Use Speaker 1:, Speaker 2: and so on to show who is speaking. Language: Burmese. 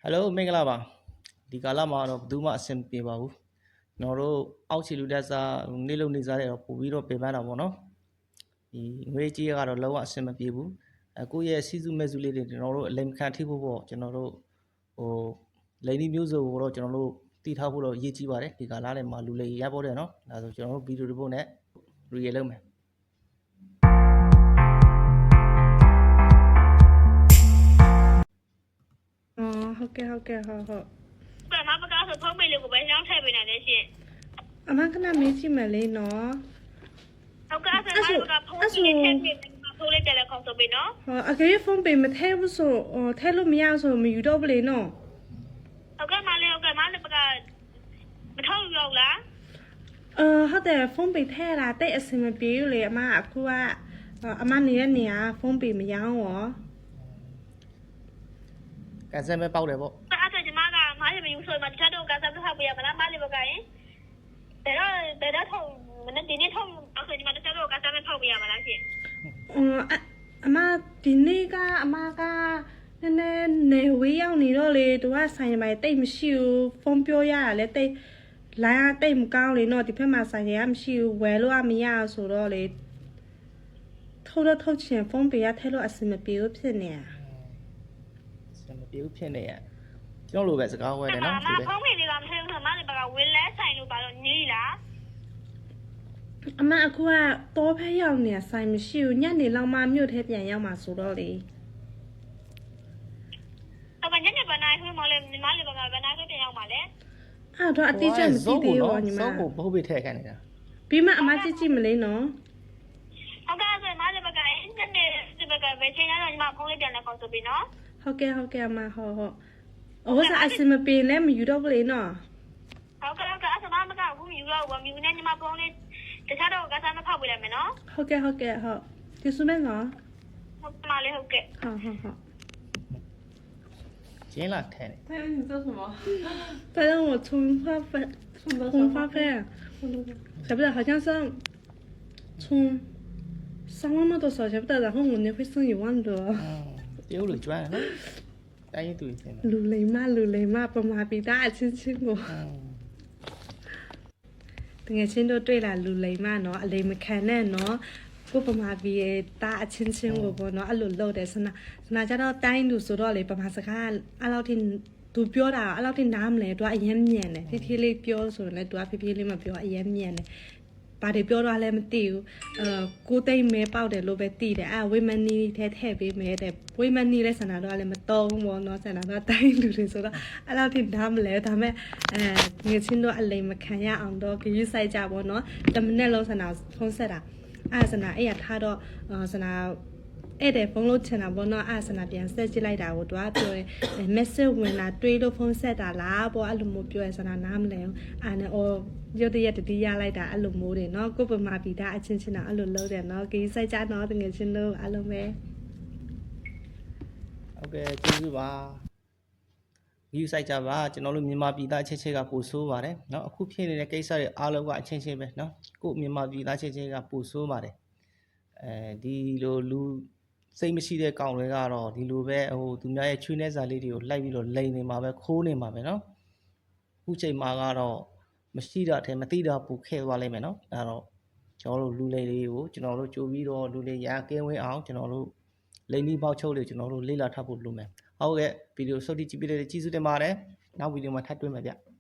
Speaker 1: Hello မင်္ဂလာပါဒီကာလမှာတော့ဘယ်သူမှအဆင်ပြေပါဘူးကျွန်တော်တို့အောက်ခြေလူတက်စားနေလို့နေစားတဲ့တော့ပို့ပြီးတော့ပြင်ပန်းတာပေါ့နော်ဒီငွေကြေးကတော့လုံးဝအဆင်မပြေဘူးကိုယ့်ရဲ့စီးစုမဲ့စုလေးတွေကျွန်တော်တို့အလိမ်ခံထိဖို့ပေါ့ကျွန်တော်တို့ဟိုလိန်ဒီမျိုးစုံကိုတော့ကျွန်တော်တို့တည်ထားဖို့တော့ရည်ကြီးပါတယ်ဒီကာလထဲမှာလူလေးရပေါ်တယ်နော်ဒါဆိုကျွန်တော်တို့ဗီဒီယိုတစ်ပုဒ်နဲ့ real လုပ်မယ်
Speaker 2: ဟုတ်ကဲ့ဟုတ်
Speaker 3: ဘာမှမကောင်းဆိုဖုန်းမေးလို့ကိုပဲရောင်းထည့်ပေးနိုင်တယ်ရှင်
Speaker 2: အမကနမေးကြည့်မယ်လေနော်
Speaker 3: ဟုတ်ကဲ့အဲ့ဒါဖုန်းကြီးထည့်ပေးမယ်ဖုန်းလေးတယ်လီဖုန်းဆိုပေးနော်
Speaker 2: အကေဖုန်းပေးမထည့်ဘူးဆိုထည့်လို့မရဆိုမယူတော့ဘူးလေနော်
Speaker 3: ဟုတ်ကဲ့မလေးဟုတ်ကဲ့မလေးပကမထောက်ရောက်လား
Speaker 2: ဟုတ်တယ်ဖုန်းပေးထည့်တာတိတ်အဆင်မပြေဘူးလေအမအခုကအမနေတဲ့နေရာဖုန်းပေးမရောရော
Speaker 1: ကန်ဆယ်မဲ့ပေါက်တယ်ပေါ့
Speaker 3: အဲ့ဒါကျမကမလေးမယူဆိုမှတခြားတော့ကန်ဆယ်ထောက်ပေးရမလားမလေးဘက်ကရင်ဘယ်တော့ထောက်မနေ့ဒီနေ့ထောက်အဲ့ဆိုကျမတခြားတော့ကန်ဆယ်ထောက်ပေးရမလားရှင်
Speaker 2: အမဒီနေ့ကအမကနည်းနည်းနေဝေးရောက်နေတော့လေသူကဆိုင်မိုင်တိတ်မရှိဘူးဖုန်းပြောရတာလေတိတ်လိုင်းတိတ်မကောင်းလေနော်ဒီဖက်မှာဆိုင်ရမရှိဘူးဝယ်လို့မရဆိုတော့လေထုတ်ချင်ဖုန်းပေးရထဲလို့အဆင်မပြေဘူးဖြစ်နေတာ
Speaker 1: မပြေဘူးဖြစ်နေရကျွန်တော်လိုပဲစကားဝဲတယ်နော်
Speaker 3: ဒီပဲဖုန်းမေးလေးကမထည့်ဘူးဆိုမလေးဘကဝင်းလဲဆိုင်လို့ပါတော့နေလား
Speaker 2: အမအခုကတော့ဖဲရောက်နေဆိုင်မရှိဘူးညနေလောက်မှမြို့ထဲပြန်ရောက်မှာဆိုတော့လေ
Speaker 3: ဟုတ်ကဲ့ညနေပိုင်းနိုင်ခွင့်မလေးညီမလေးဘကဘယ်နာခွင့်ပြန်ရောက်မှာလဲ
Speaker 2: အဲ့တော့အတိအကျမသိသေးဘူးညီမ
Speaker 1: စောကိုဘုတ်ပိထည့်ခိုင်းနေတာ
Speaker 2: ပြီးမှအမကြည့်မလေးနော်
Speaker 3: ဟုတ်ကဲ့ဆိုမလေးဘကညနေဒီဘကပဲချိန်ရတော့ညီမဖုန်းလေးပြန်လဲခေါ်ဆိုပြီးနော်
Speaker 2: ဟုတ်ကဲ့အမဟုတ်အစမပြေလဲမယူတော့ဘူးလေနော်
Speaker 3: ဟုတ်ကဲ့အစမမကဘူးယူတော့ဘူးမြူနေညီမဖုန်းလေးတခြားတော့ကစားမဖောက်ပေးလိုက်မယ်နော်
Speaker 2: ဟုတ်ကဲ့ဒီစုမဲနော်
Speaker 3: ဟုတ်မလေးဟုတ်ကဲ့
Speaker 2: ဟုတ်
Speaker 1: ကျင်းလာထဲ
Speaker 2: 对啊，你做什么？在让我充话费，晓不得？好像是充3万多少，晓不得？然后我那会剩1万多。
Speaker 1: 丢了赚了，带一堆钱。
Speaker 2: 鲁雷嘛，不麻痹大亲我。တကယ်ချင်းတို့တွေ့လာလူလိမ်မနော်အလိမ်မခံနဲ့နော်ကိုပမာပြီးတာအချင်းချင်းကိုပေါ့နော်အဲ့လိုလုပ်တယ်စနာကြတော့တိုင်းလူဆိုတော့လေပမာစကားအဲ့လောက်ထိသူပြောတာအဲ့လောက်ထိနားမလဲသူကအရင်မြန်တယ်ဖြည်းဖြည်းလေးပြောဆိုရင်လည်းသူကဖြည်းဖြည်းလေးမပြောအရင်မြန်တယ်ဘာတွေပြောတော့လည်းမသိဘူးကိုသိမ့်မဲပေါက်တယ်လို့ပဲသိတယ်ဝိမနီထဲထည့်ပေးမယ်တဲ့ဝိမနီလဲစနာတော့လည်းမတုံးဘောနော်စနာတော့တိုင်းလူတွေဆိုတော့အဲ့လောက်ထိနားမလဲဒါမဲ့ငွေချင်းတော့အလိမ်မခံရအောင်တော့ဂရုစိုက်ကြပါတော့10မိနစ်လုံးစနာဖုန်းဆက်တာစနာအဲ့ရထားတော့စနာအဲ့တဲ့ဖုန်းလို့ချင်တာပေါ့နော်စနာပြန်ဆက်ကြည့်လိုက်တာကိုသူကပြောတယ် message ဝင်လာတွေးလို့ဖုန်းဆက်တာလားပေါ့အဲ့လိုမျိုးပြောရစနာနားမလဲနဲ့ရုတ်တရက်တတိယလိုက်တာအဲ့လိုမျိုးတွေနော်ကိုပမာပီတာအချင်းချင်းတော့အဲ့လိုလုပ်တယ်နော်ကိစိုက်ကြတော့တကယ်ချင်းလို့အဲ့လိုပဲ
Speaker 1: ဟုတ်ကဲ့ကျေးဇူးပါဗီဒီယိုစိုက်ကြပါကျွန်တော်တို့မြန်မာပြည်သားချင်းချင်းကပို့ဆိုးပါတယ်เนาะအခုဖြစ်နေတဲ့ကိစ္စတွေအားလုံးကအချင်းချင်းပဲเนาะကိုမြန်မာပြည်သားချင်းချင်းကပို့ဆိုးပါတယ်ဒီလိုလူစိတ်မရှိတဲ့ကောင်တွေကတော့ဒီလိုပဲသူများရဲ့ချွေးနှဲစာလေးတွေကိုလိုက်ပြီးတော့လိန်နေမှာပဲခိုးနေမှာပဲเนาะအခုချိန်မှာကတော့မရှိတာထဲမသိတာပူခဲသွားလိမ့်မယ်เนาะအဲတော့ကျွန်တော်တို့လူလေးတွေကိုကျွန်တော်တို့ကြိုပြီးတော့လူလေးရကင်းဝင်းအောင်ကျွန်တော်တို့လိန်ဒီပေါက်ချုပ်လေးကျွန်တော်တို့လေ့လာထားဖို့လုပ်မယ်ဟုတ်ကဲ့ဗီဒီယိုဆုတ်တိကြည့်ပြတဲ့ကျေးဇူးတင်ပါတယ်နောက်ဗီဒီယိုမှာထပ်တွေ့မယ်ဗျ